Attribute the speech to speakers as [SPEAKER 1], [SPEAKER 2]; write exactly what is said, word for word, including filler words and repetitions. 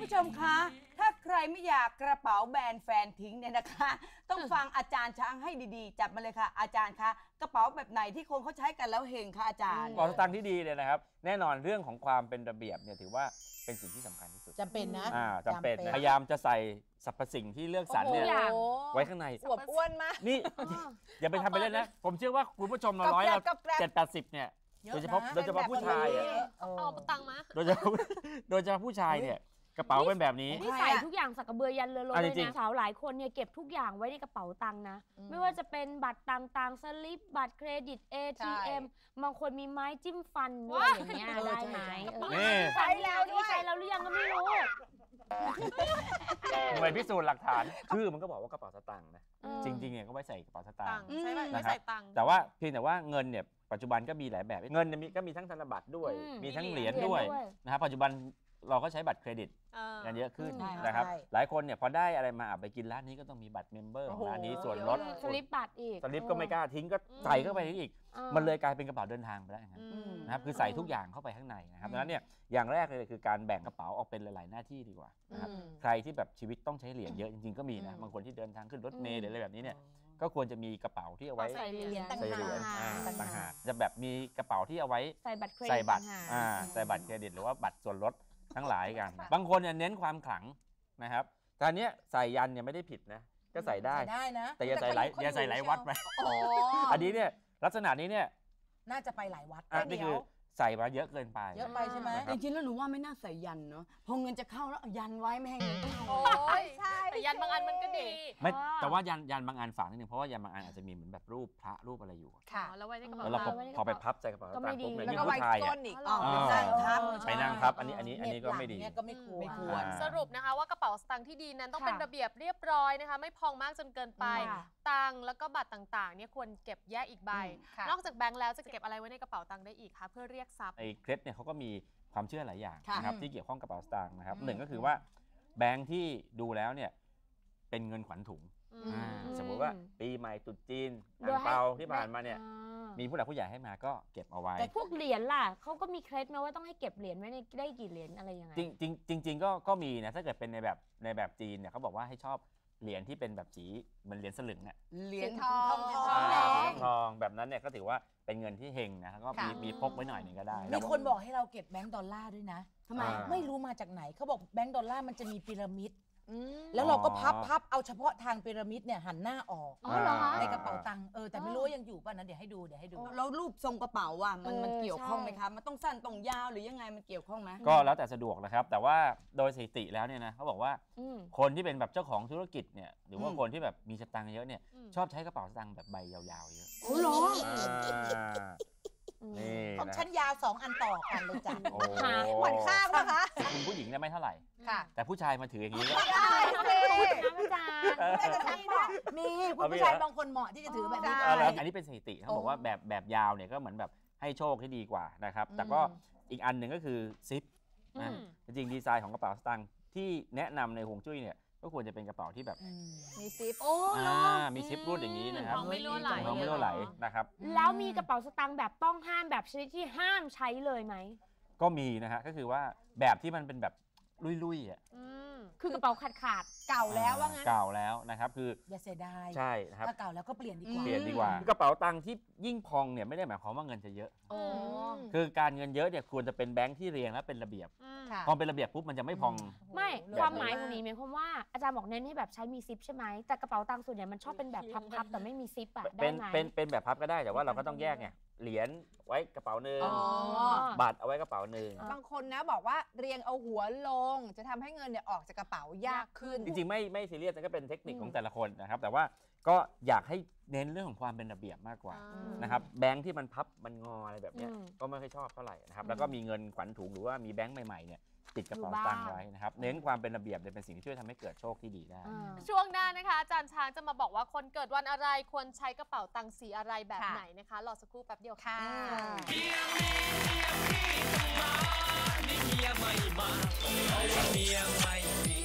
[SPEAKER 1] ผู้ชมคะถ้าใครไม่อยากกระเป๋าแบรนด์แฟนทิ้งเนี่ยนะคะต้องฟังอาจารย์ช้างให้ดีๆจับมาเลยค่ะอาจารย์คะกระเป๋าแบบไหนที่คนเขาใช้กันแล้วเฮงคะอาจารย์
[SPEAKER 2] กระเป๋าสตางค์ที่ดีเนี่ยนะครับแน่นอนเรื่องของความเป็นระเบียบเนี่ยถือว่าเป็นสิ่งที่สำคัญที่สุด
[SPEAKER 3] จำเป็นนะ
[SPEAKER 2] อ่าจำเป็นพยายามจะใส่สรรพสิ่งที่เลือกสรรเนี่ยไว้ข้างใน
[SPEAKER 3] อวบอ้วนมาก
[SPEAKER 2] นี่อย่าไปทำไปเล่นนะผมเชื่อว่าคุณผู้ชมเราร้อยเราเจ็ดแปดสิบเนี่ยโดยเฉพาะโดยเฉพาะผู้ชาย
[SPEAKER 4] เอาตังค์มา
[SPEAKER 2] โดยเฉพาะโดยเฉพาะผู้ชายเนี่ยกระเป๋าเป็นแบบนี้
[SPEAKER 5] นี่ใส่ทุกอย่างสักกระเบือยันเรือรถเลยนะสาวหลายคนเนี่ยเก็บทุกอย่างไว้ในกระเป๋าตังค์นะไม่ว่าจะเป็นบัตรต่างๆสลิปบัตรเครดิต เอ ที เอ็ม บางคนมีไม้จิ้มฟันด้วยอย่างเงี้ยได้ไหมใช้แล้วด้วยใช้แล้วหรือยังก็ไม่รู้
[SPEAKER 2] ทำไมพิสูจน์หลักฐานชื่อมันก็บอกว่ากระเป๋าสตางค์นะจริงๆเนี่ยก็ไว้ใส่กระเป๋าสตางค์
[SPEAKER 4] ใช่ไหมไม่ใส่ตังค์
[SPEAKER 2] แต่ว่าเพียงแต่ว่าเงินเนี่ยปัจจุบันก็มีหลายแบบเงินก็มีทั้งธนบัตรด้วยมีทั้งเหรียญด้วยนะครับปัจจุบันเราก็ใช้บัตรเครดิตกันเยอะขึ้นนะครับหลายคนเนี่ยพอได้อะไรมาไปกินร้านนี้ก็ต้องมีบัตรเมมเบอร์ของร้านนี้ส่วนลด
[SPEAKER 5] สลิปบัตรอีก
[SPEAKER 2] สลิปก็ไม่กล้าทิ้งก็ใส่เข้าไปอีกมันเลยกลายเป็นกระเป๋าเดินทางไปแล้วนะครับคือใส่ทุกอย่างเข้าไปข้างในนะครับดังนั้นเนี่ยอย่างแรกเลยคือการแบ่งกระเป๋าออกเป็นหลายๆหน้าที่ดีกว่านะครับใครที่แบบชีวิตต้องใช้เหรียญเยอะจริงๆก็มีนะบางคนที่เดินทางขึ้นรถเมล์หรืออะไรแบบนี้เนี่ยก็ควรจะมีกระเป๋าที่เอาไว้
[SPEAKER 5] ใส่เหรียญ
[SPEAKER 2] ใส่เหรียญต่างหากจะแบบมีกระเป๋าที่เอาไว้
[SPEAKER 5] ใส่บัตรเครดิต
[SPEAKER 2] ใส่บัตรใส่บัตรเครดิตหรือว่าบัตรส่วนลดทั้งหลายกันบางคนเนี่ยเน้นความขลังนะครับแต่เนี้ยใส่ยันเนี่ยไม่ได้ผิดนะก็ใส่ได้แต่อย่าใส่หลายอย่าใส่หลายวัดไปอันนี้เนี่ยลักษณะนี้เนี่ย
[SPEAKER 3] น่าจะไปหลายวัด
[SPEAKER 2] นี่คือใส่มาเยอะเกินไป
[SPEAKER 3] เยอะไปใช่ไหม
[SPEAKER 1] จริงๆแล้วหนูว่าไม่น่าใส่ยันเนาะพอเงินจะเข้าแล้วยันไว้ไม่ให้เงินเข้า
[SPEAKER 4] โอ้ยใช่แต่ยันบางอันมันก็ดี
[SPEAKER 2] ไม่แต่ว่ายันยันบางอันฝากนิดนึงเพราะว่ายันบางอันอาจจะมีเหมือนแบบรูปพระรูปอะไรอยู่
[SPEAKER 4] ค่ะแล้วไว้ในกระเป๋า
[SPEAKER 2] แล้วพอไปพับใส่กระเป๋าตังค์ปุ๊บเนี่ย
[SPEAKER 3] ยิ่งผู้ชายเนี่ย
[SPEAKER 2] ไปนั่งทับอันนี้อันนี้อันนี้ก็ไม่ดี
[SPEAKER 3] ก็ไม่ควร
[SPEAKER 4] สรุปนะคะว่ากระเป๋าสตางค์ที่ดีนั้นต้องเป็นระเบียบเรียบร้อยนะคะไม่พองมากจนเกินไปตังค์แล้วก็บัตรต่างๆเนี่ยควรเก็บแยกอีกใบนอกจากแบงค์แล้วจะเก็บอะไรไว้ในกระเป๋าตังค์ได้อีกคะเพื่อเรียกทรัพย์
[SPEAKER 2] ไอ้เคล็ดเนี่ยเขาก็มีความเชื่อหลายอย่างนะครับที่เกี่ยวข้องกับกระเป๋าสตางค์นะครับหนึ่งก็คือว่าแบงค์ที่ดูแล้วเนี่ยเป็นเงินขวัญถุงสมมุติว่าปีใหม่ตรุษจีนอ่างเปาที่ผ่านมาเนี่ยมีผู้หลักผู้ใหญ่ให้มาก็เก็บเอาไว้
[SPEAKER 5] แต่พวกเหรียญล่ะเขาก็มีเคล็ดไหมว่าต้องให้เก็บเหรียญไว้ในได้กี่เหรียญอะไรยังไง
[SPEAKER 2] จริงจริงจริงก็ก็มีนะถ้าเกิดเป็นในแบบในแบบจีนเนี่ยเขาบอกว่าให้ชอบเหรียญที่เป็นแบบสีเหมือนเหรียญสลึงเนี่ย
[SPEAKER 1] เหรียญ
[SPEAKER 3] ทองทอง
[SPEAKER 2] ทองแบบนั้นเนี่ยก็ถือว่าเป็นเงินที่เฮงนะก็มีมีพกไว้หน่อยนึงก็ได้
[SPEAKER 3] มีคนบอกให้เราเก็บแบงก์ดอลลาร์ด้วยนะ
[SPEAKER 1] ทำไม
[SPEAKER 3] ไม่รู้มาจากไหนเขาบอกแบงก์ดอลลาร์มันจะมีพีระมิดแล้วเราก็พับพับเอาเฉพาะทางพีระมิดเนี่ยหันหน้าออกในกระเป๋าตังค์เออแต่ไม่รู้ยังอยู่ป่ะนะเดี๋ยวให้ดูเดี๋ยวให้ดู
[SPEAKER 1] แล้วรูปทรงกระเป๋าว่ามันมันเกี่ยวข้องไหมคะมันต้องสั้นต้องยาวหรือยังไงมันเกี่ยวข้องไหม
[SPEAKER 2] ก็แล้วแต่สะดวกนะครับแต่ว่าโดยสถิติแล้วเนี่ยนะเขาบอกว่าคนที่เป็นแบบเจ้าของธุรกิจเนี่ยหรือว่าคนที่แบบมีสตางค์เยอะเนี่ยชอบใช้กระเป๋าสตางค์แบบใบยาวๆเยอะ
[SPEAKER 1] โอ้โห
[SPEAKER 3] ของชั้นยาวสองอันต่อกันเลยจ้ะ
[SPEAKER 2] หวาน
[SPEAKER 3] ข้างนะคะ
[SPEAKER 2] คุณผู้หญิงเนี่ยไม่เท่าไหร่
[SPEAKER 3] ค่ะ
[SPEAKER 2] แต่ผู้ชายมาถืออย่างนี้ก็
[SPEAKER 3] ได้เลยอาจารย์มีคุณผู้ชายบางคนเหมาะที่จะถือแบบนี้
[SPEAKER 2] อันนี้เป็นสถิติเขาบอกว่าแบบแบบยาวเนี่ยก็เหมือนแบบให้โชคที่ดีกว่านะครับแต่ก็อีกอันหนึ่งก็คือซิปนะจริงดีไซน์ของกระเป๋าสตางค์ที่แนะนำในฮวงจุ้ยเนี่ยก็ควรจะเป็นกระเป๋าที่แบบ
[SPEAKER 3] มีซิป
[SPEAKER 5] โอ้
[SPEAKER 2] มีซิปรูดอย่างนี้นะครับ
[SPEAKER 4] ไม่รั่วไหล
[SPEAKER 2] ไม่รั่วไหลนะครับ
[SPEAKER 5] แล้วมีกระเป๋าสตางค์แบบต้องห้ามแบบชนิดที่ห้ามใช้เลยไหม
[SPEAKER 2] ก็มีนะฮะก็คือว่าแบบที่มันเป็นแบบลุยๆอ่ะ
[SPEAKER 5] คือกระเป๋าขาดขาด
[SPEAKER 3] เก่าแล้วว่างั้น
[SPEAKER 2] เก่าแล้วนะครับคือ
[SPEAKER 3] อย่าเสียดาย
[SPEAKER 2] ใช่ครับ
[SPEAKER 3] ถ้าเก่าแล้วก็เปลี่ยนดีกว่า
[SPEAKER 2] เปลี่ยนดีกว่ากระเป๋าตังค์ที่ยิ่งพองเนี่ยไม่ได้หมายความว่าเงินจะเยอะคือการเงินเยอะเนี่ยควรจะเป็นแบงค์ที่เรียงและเป็นระเบียบพอเป็นระเบียบปุ๊บมันจะไม่พอง
[SPEAKER 5] ไม่ความหมายของนี้หมายความว่าอาจารย์บอกเน้นให้แบบใช้มีซิปใช่ไหมแต่กระเป๋าตังค์ส่วนใหญ่มันชอบเป็นแบบพับๆแต่ไม่มีซิปอะได้ไหม
[SPEAKER 2] เป็นเป็นแบบพับก็ได้แต่ว่าเราก็ต้องแยกไงเหรียญไว้กระเป๋าหนึ่งบัตรเอาไว้กระเป๋าหนึ่ง
[SPEAKER 3] บางคนนะบอกว่าเรียงเอาหัวลงจะทำให้เงินเนี่ยออกจากกระเป๋ายากขึ้น
[SPEAKER 2] จริงๆไม่ไม่ซีเรียสก็เป็นเทคนิคของแต่ละคนนะครับแต่ว่าก็อยากให้เน้นเรื่องของความเป็นระเบียบมากกว่านะครับแบงค์ที่มันพับมันงออะไรแบบนี้ก็ไม่ค่อยชอบเท่าไหร่นะครับแล้วก็มีเงินขวัญถุงหรือว่ามีแบงค์ใหม่ๆเนี่ยติดกระเป๋าตังค์ไว้นะครับเน้นความเป็นระเบียบเป็นสิ่งที่ช่วยทำให้เกิดโชคที่ดีได้
[SPEAKER 4] ช่วงหน้านะคะอาจารย์ช้างจะมาบอกว่าคนเกิดวันอะไรควรใช้กระเป๋าตังค์สีอะไรแบบไหนนะคะรอสักครู่แป๊บเดียวค่ะเมียมีเมียพี่ต้องมานี่เมียไม่มาเมียไม่มี